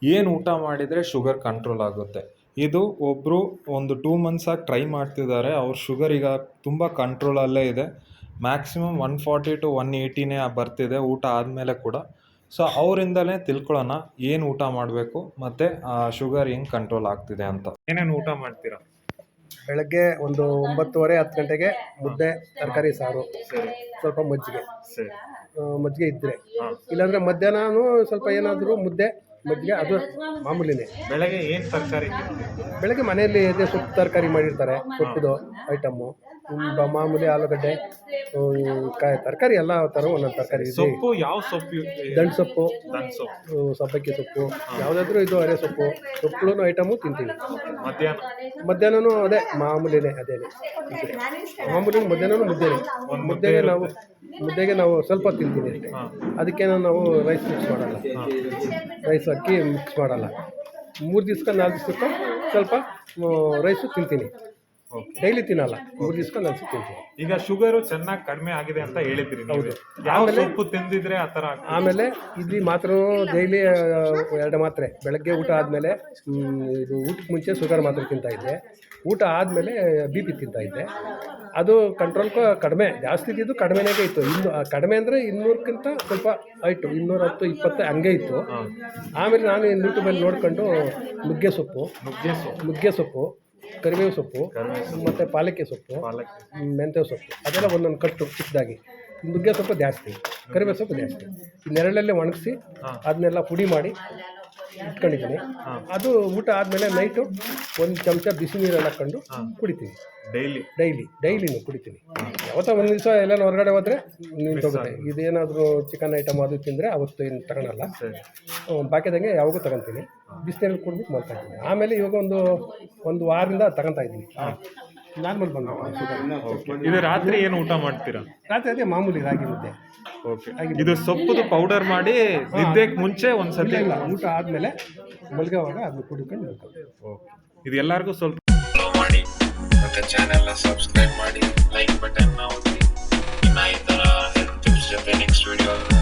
ಏನು ಊಟ ಮಾಡಿದರೆ ಶುಗರ್ ಕಂಟ್ರೋಲ್ ಆಗುತ್ತೆ. ಇದು ಒಬ್ಬರು ಒಂದು 2 ಮಂತ್ಸಾಗಿ ಟ್ರೈ ಮಾಡ್ತಿದ್ದಾರೆ. ಅವ್ರ ಶುಗರ್ ಈಗ ತುಂಬ ಕಂಟ್ರೋಲಲ್ಲೇ ಇದೆ. ಮ್ಯಾಕ್ಸಿಮಮ್ 140 to 180ನೇ ಬರ್ತಿದೆ ಊಟ ಆದಮೇಲೆ ಕೂಡ. ಸೊ ಅವರಿಂದಲೇ ತಿಳ್ಕೊಳ್ಳೋಣ ಏನು ಊಟ ಮಾಡಬೇಕು ಮತ್ತು ಶುಗರ್ ಹೆಂಗೆ ಕಂಟ್ರೋಲ್ ಆಗ್ತಿದೆ ಅಂತ. ಏನೇನು ಊಟ ಮಾಡ್ತೀರಾ? ಬೆಳಗ್ಗೆ ಒಂದು 9:30 10 ಗಂಟೆಗೆ ಮುದ್ದೆ, ತರಕಾರಿ ಸಾರು, ಸರಿ ಸ್ವಲ್ಪ ಮಜ್ಜಿಗೆ ಸರಿ ಮಜ್ಜಿಗೆ ಇದ್ದರೆ, ಇಲ್ಲಾಂದರೆ ಮಧ್ಯಾಹ್ನನೂ ಸ್ವಲ್ಪ ಏನಾದರೂ ಮುದ್ದೆ ಮಜ್ಜಿಗೆ, ಅದು ಮಾಮೂಲಿನೇ. ಬೆಳಗ್ಗೆ ಏನು ತರಕಾರಿ? ಬೆಳಗ್ಗೆ ಮನೆಯಲ್ಲಿ ಇದೆ ಸೊಪ್ಪು ತರಕಾರಿ ಮಾಡಿರ್ತಾರೆ, ಸೊಪ್ಪುದು ಐಟಮ್ಮು, ಮಾಮೂಲಿ ಆಲೂಗಡ್ಡೆ, ತರಕಾರಿ ಎಲ್ಲ ಥರ ಒಂದೊಂದು ತರಕಾರಿ ಇದೆ. ಸೊಪ್ಪು ಯಾವ ಸೊಪ್ಪು? ದಂಟು ಸೊಪ್ಪು, ಸೊಪ್ಪು, ಸಬ್ಬಕ್ಕಿ ಸೊಪ್ಪು, ಯಾವುದಾದ್ರೂ ಇದು ಅರೆ ಸೊಪ್ಪು, ಸೊಪ್ಪುಗಳು ಐಟಮು ತಿಂತೀವಿ. ಮಧ್ಯಾಹ್ನನೂ ಅದೇ ಮಾಮೂಲಿನೇ, ಅದೇನೆ ಮಾಮೂಲಿ. ಮಧ್ಯಾಹ್ನನೂ ಮುದ್ದೆಗೆ ನಾವು ಸ್ವಲ್ಪ ತಿಂತೀವಿ ಅಷ್ಟೇ. ಅದಕ್ಕೇನೋ ನಾವು ರೈಸ್ ಮಿಕ್ಸ್ ಮಾಡಲ್ಲ, ರೈಸ್ ಅಕ್ಕಿ ಮಿಕ್ಸ್ ಮಾಡಲ್ಲ. 3 ದಿವ್ಸಕ್ಕೆ 4 ದಿವ್ಸಕ್ಕೆ ಸ್ವಲ್ಪ ರೈಸು ತಿಂತೀನಿ. ಡೈಲಿ ತಿನ್ನಲ್ಲ, 3 ದಿವ್ಸಕ್ಕೆ 4 ದಿವ್ಸ ತಿಂತೀನಿ. ಈಗ ಶುಗರು ಚೆನ್ನಾಗಿ ಕಡಿಮೆ ಆಗಿದೆ ಅಂತ ಹೇಳಿದ್ರಿ. ಹೌದು. ಯಾವ ಸೊಪ್ಪು ತಿಂದಿದ್ರೆ ಆ ಥರ? ಆಮೇಲೆ ಇಡ್ಲಿ ಮಾತ್ರ ಡೈಲಿ 2 ಮಾತ್ರೆ. ಬೆಳಗ್ಗೆ ಊಟ ಆದಮೇಲೆ, ಇದು ಊಟಕ್ಕೆ ಮುಂಚೆ ಶುಗರ್ ಮಾತ್ರೆ ತಿಂತಾಯಿದ್ದೆ. ಊಟ ಆದಮೇಲೆ BP ತಿಂತಾಯಿದ್ದೆ. ಅದು ಕಂಟ್ರೋಲ್ ಕಡಿಮೆ, ಜಾಸ್ತಿ ಇದ್ದಿದ್ದು ಕಡಿಮೆನೇ ಇತ್ತು. ಇನ್ನು ಕಡಿಮೆ ಅಂದರೆ 200ಕ್ಕಿಂತ ಸ್ವಲ್ಪ ಆಯಿತು, 210 20 ಹಂಗೆ ಇತ್ತು. ಆಮೇಲೆ ನಾನು ಯೂಟ್ಯೂಬಲ್ಲಿ ನೋಡ್ಕೊಂಡು ನುಗ್ಗೆ ಸೊಪ್ಪು, ಕರಿಬೇವು ಸೊಪ್ಪು, ಮತ್ತು ಪಾಲಕ್ಕೆ ಸೊಪ್ಪು, ಮೆಂತ್ಯ ಸೊಪ್ಪು, ಅದೆಲ್ಲ ಒಂದೊಂದು ಕಟ್ಟು ಚಿಕ್ಕದಾಗಿ. ನುಗ್ಗೆ ಸೊಪ್ಪು ಜಾಸ್ತಿ, ಕರಿಬೇವು ಸೊಪ್ಪು ಜಾಸ್ತಿ. ನೆರಳಲ್ಲೇ ಒಣಗಿಸಿ ಅದನ್ನೆಲ್ಲ ಪುಡಿ ಮಾಡಿ ಇಟ್ಕೊಂಡಿದ್ದೀನಿ. ಅದು ಊಟ ಆದಮೇಲೆ ನೈಟು 1 ಚಮಚ ಬಿಸಿ ನೀರಲ್ಲಿ ಹಾಕ್ಕೊಂಡು ಕುಡಿತೀನಿ. ಡೈಲಿನೂ ಕುಡಿತೀನಿ. ಯಾವತ್ತೋ ಒಂದು ದಿವಸ ಎಲ್ಲ ಹೊರಗಡೆ ಹೋದರೆ ನಿಂತೋಗುತ್ತೆ. ಇದೇನಾದರೂ ಚಿಕನ್ ಐಟಮ್ ಅದು ತಿಂದರೆ ಅವತ್ತು ಏನು ತಗೊಳಲ್ಲ. ಬಾಕಿದಂಗೆ ಯಾವಾಗೂ ತಗೊತೀನಿ. ಬಿಸಿನೀರಲ್ಲಿ ಕುಡಿದ್ಬಿಟ್ಟು ಮಾಡ್ತಾ ಇದ್ದೀನಿ. ಆಮೇಲೆ ಇವಾಗ ಒಂದು ವಾರದಿಂದ ತಗೊತಾ ಇದ್ದೀನಿ. ನಾರ್ಮಲ್ ಬಂದು. ಇದು ರಾತ್ರಿ ಏನು ಊಟ ಮಾಡ್ತೀರಾ? ರಾತ್ರಿ ಅದೇ ಮಾಮೂಲಿ ರಾಗಿ ಮುದ್ದೆ. ಇದು ಸೊಪ್ಪುದು ಪೌಡರ್ ಮಾಡಿ ನಿದ್ದೆಗೆ ಮುಂಚೆ ಒಂದ್ಸತಿ ಇಲ್ಲ, ಊಟ ಆದಮೇಲೆ ಮಲ್ಗೋವಾಗ ಅದನ್ನ ಕುಡ್ಕೊಂಡು ಇದು ಎಲ್ಲರಿಗೂ ಸ್ವಲ್ಪ ಮಾಡಿ, ಮತ್ತೆ ಚಾನೆಲ್ನ ಸಬ್ಸ್ಕ್ರೈಬ್ ಮಾಡಿ, ಲೈಕ್ ಬಟನ್ ಒತ್ತಿ. ಇನ್ನ ಈ ಥರ ಹೆಲ್ತ್ ಟಿಪ್ಸ್ ಜೊತೆ ನೆಕ್ಸ್ಟ್ ವಿಡಿಯೋ